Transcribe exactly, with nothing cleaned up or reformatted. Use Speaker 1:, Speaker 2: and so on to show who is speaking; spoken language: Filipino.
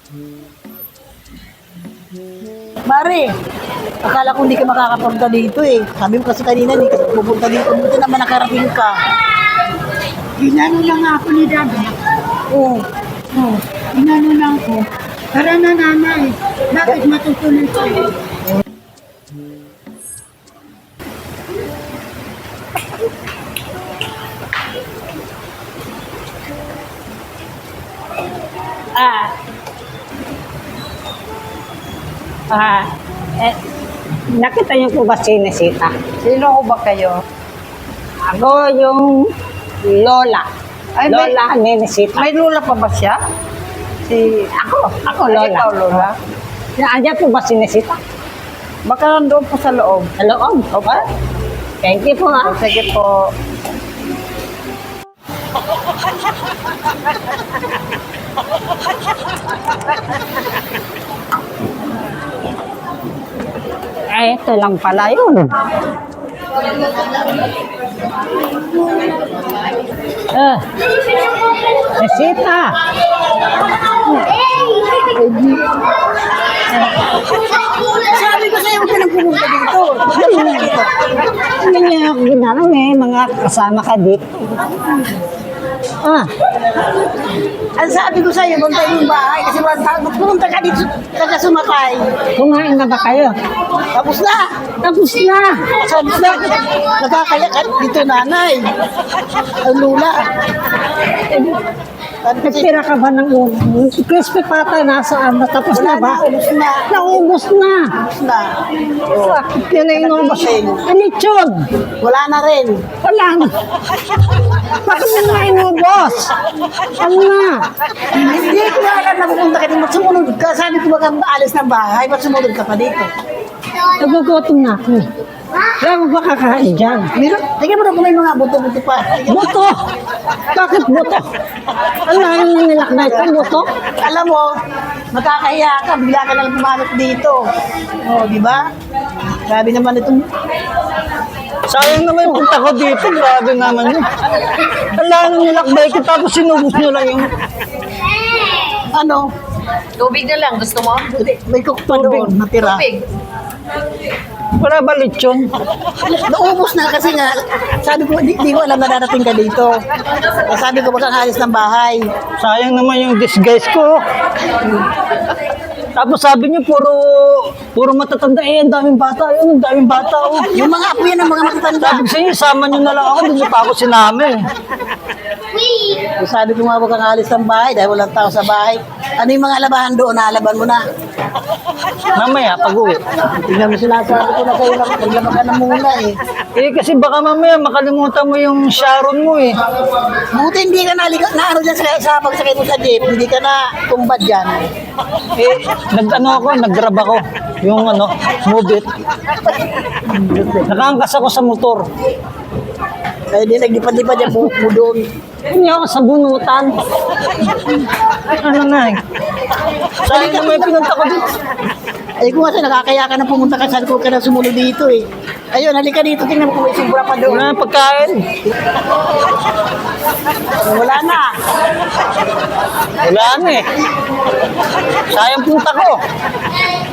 Speaker 1: Mare, akala ko hindi ka makakapunta dito eh. Sabi mo kasi kanina, hindi ka pupunta dito. Buti naman nakarating ka.
Speaker 2: Inano lang ako ni Dada.
Speaker 1: Oo.
Speaker 2: Oh, inano lang ko. Tara na nanay. Bakit matutuloy ko?
Speaker 3: Ah. Ah. Eh, nakita niyo po ba si Nesita?
Speaker 4: Sino ko ba kayo?
Speaker 3: Ako yung lola.
Speaker 4: Ay, may-
Speaker 3: lola ni Nesita.
Speaker 4: May lula pa ba siya? Si...
Speaker 3: Ako, ako
Speaker 4: Ay,
Speaker 3: lola.
Speaker 4: ikaw, Lola?
Speaker 3: Nandiyan po ba si Nesita?
Speaker 4: Baka nandoon po sa loob.
Speaker 3: Sa loob? Okay. Thank you po
Speaker 4: O,
Speaker 3: ha.
Speaker 4: sige po.
Speaker 3: Eh, ito lang pala yun. Eh, Nesita.
Speaker 1: Sabi ko sa'yo, huwag ka nang pumunta dito.
Speaker 3: Hindi niya ako ginanong eh, mga kasama ka dito. Ah,
Speaker 1: Ang sabi ko sa'yo, punta yung bahay. Kasi pumunta ka dito, kaya sumakay.
Speaker 3: kumain na ba kayo?
Speaker 1: Tapos na.
Speaker 3: Tapos na.
Speaker 1: Sabi na, nagkakaya ka dito nanay. Ang lula.
Speaker 3: Nagtira ka ba ng ulo? Crispy pata nasaan? Natapos na ba?
Speaker 1: Ubus na.
Speaker 3: Naubos na.
Speaker 1: Ubus na.
Speaker 3: Bakit yun na inubos? Anitsyon?
Speaker 1: Wala na rin.
Speaker 3: Wala na. Bakit mo na inubos? Ano na?
Speaker 1: Hindi ko na alam na pupunta ka dito. Ba't sumunod ka? Sabi ko baka alis ng bahay. Ba't sumunod ka pa dito?
Speaker 3: Nagugutom na ako. Wala mo ba kakain dyan?
Speaker 1: Meron, tingnan mo na kung may mga buto-buto pa. Tingnan mo.
Speaker 3: Buto! Bakit buto? Ang lalim na nilakbay ko, buto?
Speaker 1: Alam mo, makakahiya ka, bigla ka lang pumanot dito. O, di ba? Grabe naman itong...
Speaker 5: Sayang naman yung punta ko dito. Grabe naman yun. Ang lalim nilakbay ko tapos sinubos nyo lang yung...
Speaker 1: Ano?
Speaker 4: Tubig na lang. Gusto mo?
Speaker 1: Hindi, may cook pa doon, natira.
Speaker 4: Tubig.
Speaker 5: Wala ba lechon?
Speaker 1: Naubos na kasi nga, sabi ko, di, di ko alam na darating ka dito. Eh, sabi ko, baka alis ng bahay.
Speaker 5: Sayang naman yung disguise ko. Tapos sabi niyo, puro puro matatanda. Eh, ang daming bata. Yun, ang daming bata. Oh.
Speaker 1: Yung mga apo yan ang mga matatanda.
Speaker 5: Sabi ko sa inyo, sama niyo na lang ako. Hindi niyo pa ako sinama eh.
Speaker 1: Eh, sabi ko nga, baka alis ng bahay dahil walang tao sa bahay. Ano yung mga labahan doon, nalaban mo na.
Speaker 5: Mamaya, pag-uwi.
Speaker 1: Tingnan mo sinasabi ko na sa'yo, maglaba ka na muna eh.
Speaker 5: Eh, kasi baka mamaya makalimutan mo yung Sharon mo eh.
Speaker 1: Buti hindi ka naliga, na ano dyan sa, sa pagsakay mo sa jeep, hindi ka na tumbad dyan.
Speaker 5: Eh, nag-ano ako, nag-grab ako. Yung ano, move it. Nakaangkas ako sa motor.
Speaker 1: Kaya di naglipad-lipad yan buhok mo doon.
Speaker 3: Hindi ako sa bunutan.
Speaker 5: Ano na eh. Sayang naman yung pinunta ko dito.
Speaker 1: Ay kung kasi nakakaya ka na pumunta ka, saan ko ka na sumunod dito eh. Ayun, halika dito, tingnan mo kung may sobra pa doon.
Speaker 5: Wala na pagkain.
Speaker 1: Wala na.
Speaker 5: Wala na eh. Sayang punta ko.